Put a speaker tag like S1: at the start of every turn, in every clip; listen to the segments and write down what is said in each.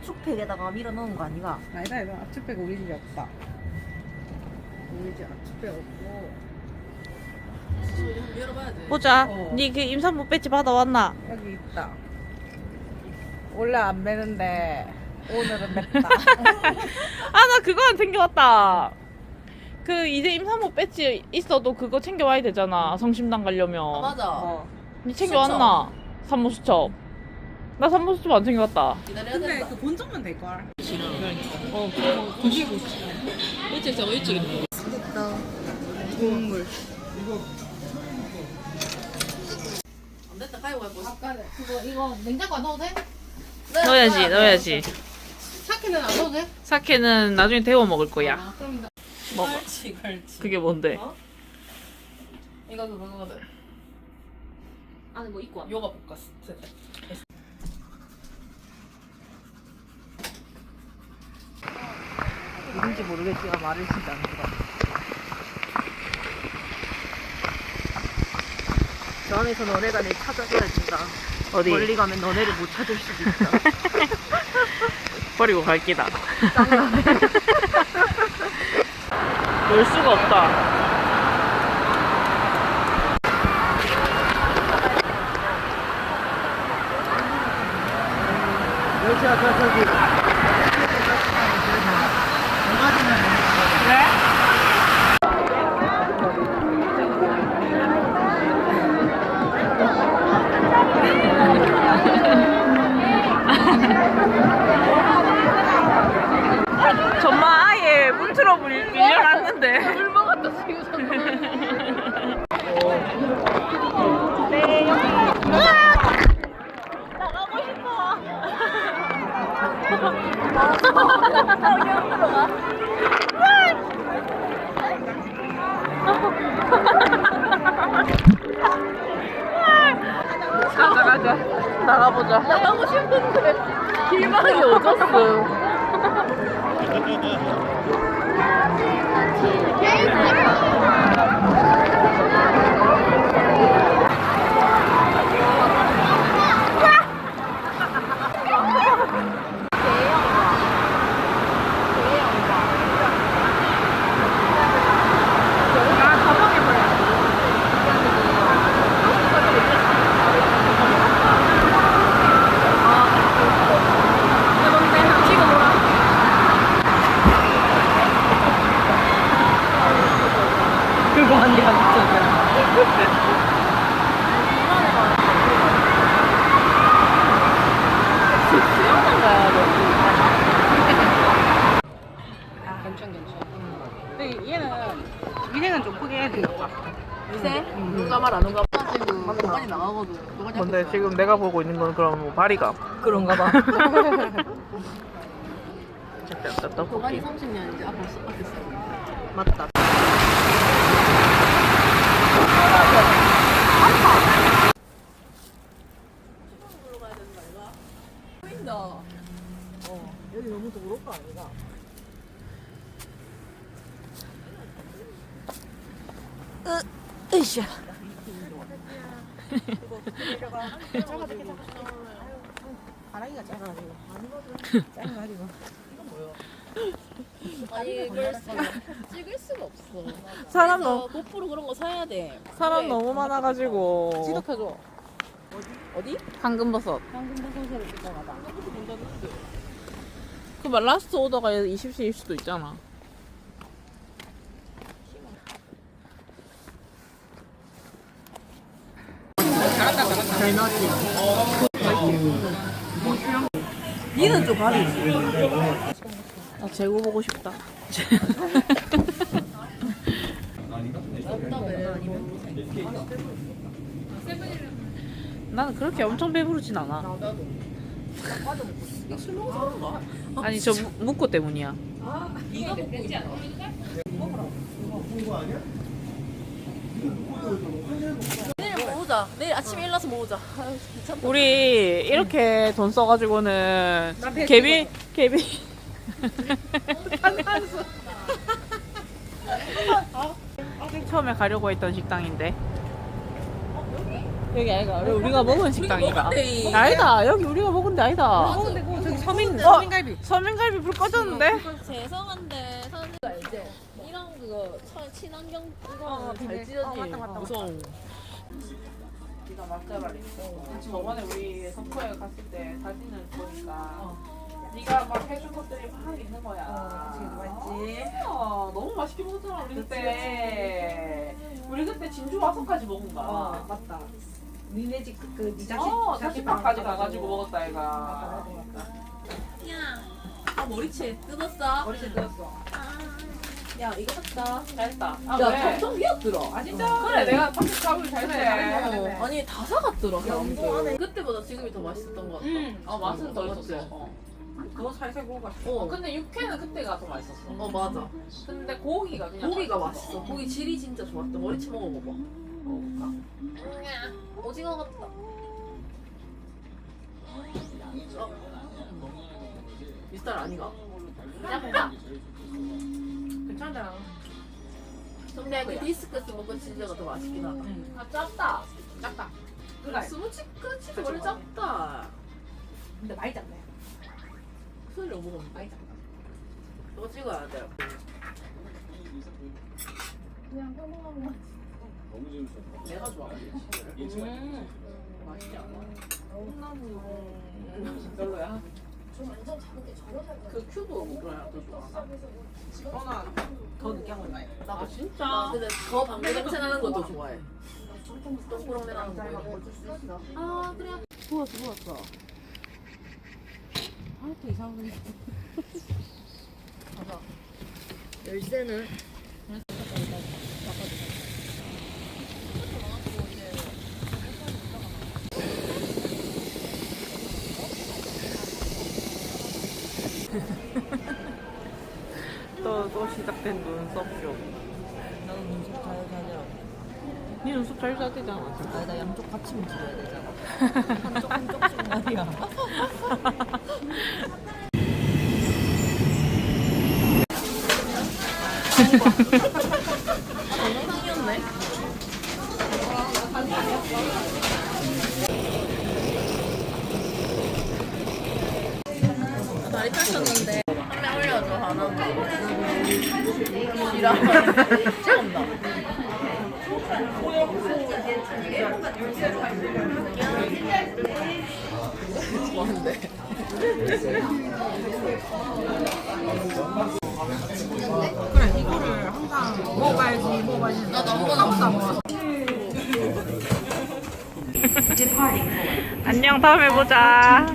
S1: 압축팩에다가 밀어 넣은 거 아니가?
S2: 아니다 이거 압축팩 우리 집에 없다. 우리 집 압축팩 없고.
S3: 열어봐야지.
S4: 보자.
S2: 어.
S4: 니 그 임산부 배지 받아왔나?
S2: 여기 있다. 원래 안 매는데 오늘은 맵다.
S4: 아, 나 그거 안 챙겨왔다. 그 이제 임산부 배지 있어도 그거 챙겨와야 되잖아. 성심당 가려면.
S3: 아, 맞아.
S2: 어.
S4: 니 챙겨왔나? 산모수첩. 나 산모수첩 안 챙겨왔다.
S3: 기다려야
S2: 근데
S3: 된다.
S2: 그 본점만 될 걸.
S4: 어, 드시고 싶어. 일찍 저거 일찍 있는
S1: 됐다.
S2: 국물.
S3: 안 됐다. 가위고 해보
S5: 그거 이거 냉장고 안 넣어도 돼?
S4: 넣어야지, 넣어야지.
S5: 사케는 안 넣어도 돼?
S4: 사케는 나중에 데워 먹을 거야.
S5: 아, 그럼 나
S4: 먹어.
S3: 갈치.
S4: 그게 뭔데?
S3: 어? 이거 그거거든.
S5: 안에 뭐 입고 와.
S3: 요가 볶았어.
S4: 누군지 모르겠지만 말을 진짜 안 들어.
S1: 저 안에서 너네가 내 찾아줘야 된다.
S4: 어디?
S1: 멀리 가면 너네를 못 찾을 수도 있다.
S4: 버리고 갈 기다. 놀 수가 없다. 정말 아예 문틀어 밀려났는데. 물 먹었다 지금. 나가고 싶어. 가자. 나가보자. 나가고 싶은데 길망이 오졌어. 그거 아니야, 진짜. 수영장 가야 돼.
S2: 근데 얘는 위생은 좀 크게 해야 되겠다.
S3: 미세? 누가 말 안 오가 봐. 지금 많이 나가거든. 누가 자꾸
S4: 근데
S3: 있어.
S4: 지금 내가 보고 있는 건 그럼 뭐 바리가
S1: 그런가 봐.
S4: 떡볶이.
S3: 도가니 30년 이제 앞에 있어.
S1: 맞다.
S3: 보인다.
S1: 여기 너무 더러울 거 아니가? 으쌰.
S2: 바라기가 작아가지고. 작아가지고.
S3: 아니 이걸 찍을 수가 없어.
S4: 사람
S3: 그래서
S4: 너무
S3: 고프로 그런 거 사야 돼.
S4: 사람
S3: 그래.
S4: 너무 많아가지고.
S2: 지독해줘.
S3: 어디?
S4: 황금버섯.
S2: 황금버섯으로 찍어가봐.
S4: 그 라스트 오더가 20시일 수도 있잖아.
S1: 잘 넣었지.
S3: 니는 좀 가리지.
S4: 나 재고 보고 싶다. 나는 그렇게 엄청 배부르진 않아.
S3: 술 먹어서 그런가?
S4: 아니 저 묵고 때문이야.
S3: 이거 먹고 있지 않아? 내일 먹어보자. 내일 아침에 일어나서 먹어보자. 아유, 귀찮다.
S4: 우리 이렇게 돈 써가지고는 개비 처음에 가려고 했던 식당인데 여기 아이가 우리가 먹은 식당이가
S3: 먹었대.
S4: 아니다 여기 우리가 먹은 데 아니다.
S2: 먹는데 그거 저기 서민갈비.
S4: 서민갈비 불 꺼졌는데?
S5: 죄송한데 선생님 알지? 이런 그거 친환경 이거 잘 찢어지.
S3: 무서워.
S4: 네가 맞자라니. 저번에 우리 성포에 갔을 때 사진을 보니까 네가 막 해준 것들이 막 있는 거야.
S2: 맞지.
S4: 너무 맛있게 먹었잖아 우리 그때. 우리 그때 진주 와서까지 먹은 거야.
S2: 맞다. 니네 집그
S4: 자취방까지 가가지고 먹었다 얘가.
S5: 야, 아 머리채 뜯었어?
S2: 머리채 뜯었어.
S5: 야 이거 샀다.
S4: 잘했다.
S5: 야 엄청 귀엽더라.
S2: 아 진짜?
S4: 그래 내가 방금 가을 잘 돼.
S5: 아니 다 사갔더라. 그때보다 지금이 더 맛있었던 것 같다.
S4: 맛은 더
S5: 맞지?
S4: 있었어.
S2: 그거 살살 구워 맛있어.
S4: 근데 육회는 그때가 더 맛있었어.
S5: 맞아.
S4: 근데 고기가 그냥
S5: 고기가 맛있어. 고기 질이 진짜 좋았다. 머리채 먹어봐봐. 먹어볼까? 오징어 같다. 비슷한 아니가? 약간.
S2: 괜찮잖아.
S5: 근데 그 디스크스 먹고 진짜가 더 맛있긴 하다.
S4: 아 짭다.
S2: 작다.
S5: 스무치 치즈 원래 작다.
S2: 근데 많이 작네.
S5: 소리 너무 먹었는데.
S2: 많이 작다.
S5: 또 찍어야 돼.
S4: 내가 좋아하지. 맛있지 않아? 별로야?
S5: 그 큐브 뭐야 더 좋아?
S2: 저는 더 느끼한 걸 좋아해.
S5: 나 진짜. 근데 더 방구 냄새 나는 것도 좋아해. 동그랗게 나는 거. 아 그래. 부었어. 또 이상하네. 가자. 열쇠는
S4: 또 시작된 눈썹쇼.
S1: 나는 눈썹 잘 자냐.
S4: 네 눈썹 잘 자대잖아.
S1: 아니 나 양쪽 같이 움직여야 되잖아. 한쪽씩 말이야.
S5: 동영상이었네. 다리 펴셨는데 한 명 올려줘 하나. 이라 찍었나? 좋아한대.
S2: 그래 이거를 항상 먹어봐야지.
S5: 나도 아무거나 없어.
S4: 안녕 다음에 보자.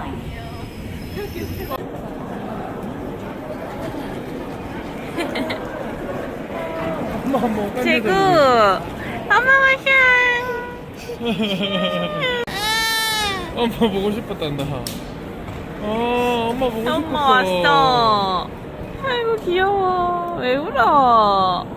S4: 제구 엄마 와샹.
S6: 엄마 보고 싶었단다. 엄마 보고 싶었어.
S4: 엄마 왔어. 아이고 귀여워. 왜 울어?